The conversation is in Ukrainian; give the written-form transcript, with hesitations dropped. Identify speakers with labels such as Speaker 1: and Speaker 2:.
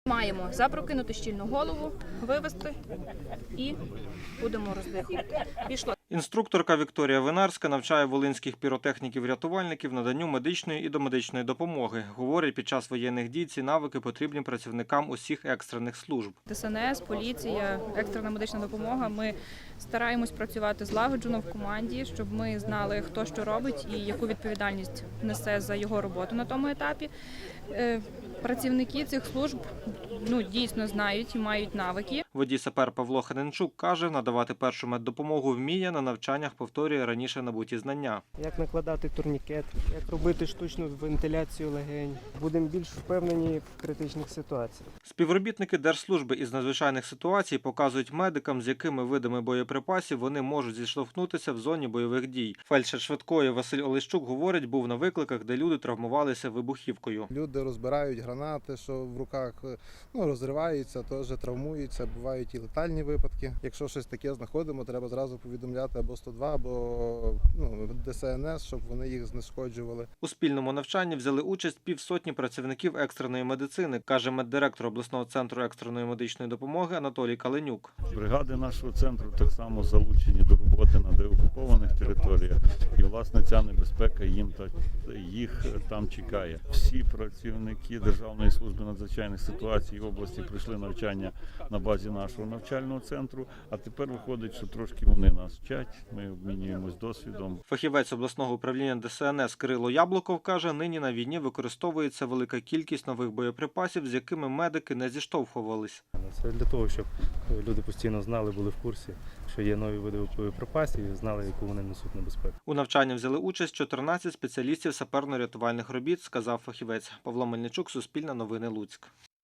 Speaker 1: Маємо запрокинути щільну голову, вивести і будемо роздихувати. Пішло.
Speaker 2: Інструкторка Вікторія Винарська навчає волинських піротехніків-рятувальників наданню медичної і домедичної допомоги. Говорить, під час воєнних дій ці навики потрібні працівникам усіх екстрених служб.
Speaker 1: ДСНС, поліція, екстрена медична допомога. Ми стараємось працювати злагоджено в команді, щоб ми знали, хто що робить і яку відповідальність несе за його роботу на тому етапі. Працівники цих служб дійсно знають і мають навики.
Speaker 2: Водій-сапер Павло Ханенчук каже, надавати першу меддопомогу вміє, на навчаннях повторює раніше набуті знання.
Speaker 3: Як накладати турнікет, як робити штучну вентиляцію легень. Будемо більш впевнені в критичних ситуаціях.
Speaker 2: Співробітники Держслужби із надзвичайних ситуацій показують медикам, з якими видами боєприпасів вони можуть зіштовхнутися в зоні бойових дій. Фельдшер швидкої Василь Олещук говорить, був на викликах, де люди травмувалися вибухівкою.
Speaker 4: Люди розбирають гранати, що в руках розриваються, теж травмуються, бувають і летальні випадки. Якщо щось таке знаходимо, треба зразу повідомляти або 102, або ДСНС, щоб вони їх знешкоджували.
Speaker 2: У спільному навчанні взяли участь півсотні працівників екстреної медицини, каже меддиректор обласного центру екстреної медичної допомоги Анатолій Каленюк.
Speaker 5: Бригади нашого центру так само залучені до роботи на деокупованих територіях. І, власне, ця небезпека їх там чекає. Всі працівники Державної служби надзвичайних ситуацій області пройшли навчання на базі нашого навчального центру, а тепер виходить, що трошки вони нас вчать, ми обмінюємось досвідом.
Speaker 2: Фахівець обласного управління ДСНС Кирило Яблуков каже, нині на війні використовується велика кількість нових боєприпасів, з якими медики не зіштовхувались.
Speaker 6: Це для того, щоб люди постійно знали, були в курсі, що є нові види боєприпасів і знали, яку вони несуть небезпеку.
Speaker 2: У навчанні взяли участь 14 спеціалістів саперно-рятувальних робіт, сказав фахівець. Павло Мельничук, Суспільне новини, Луцьк.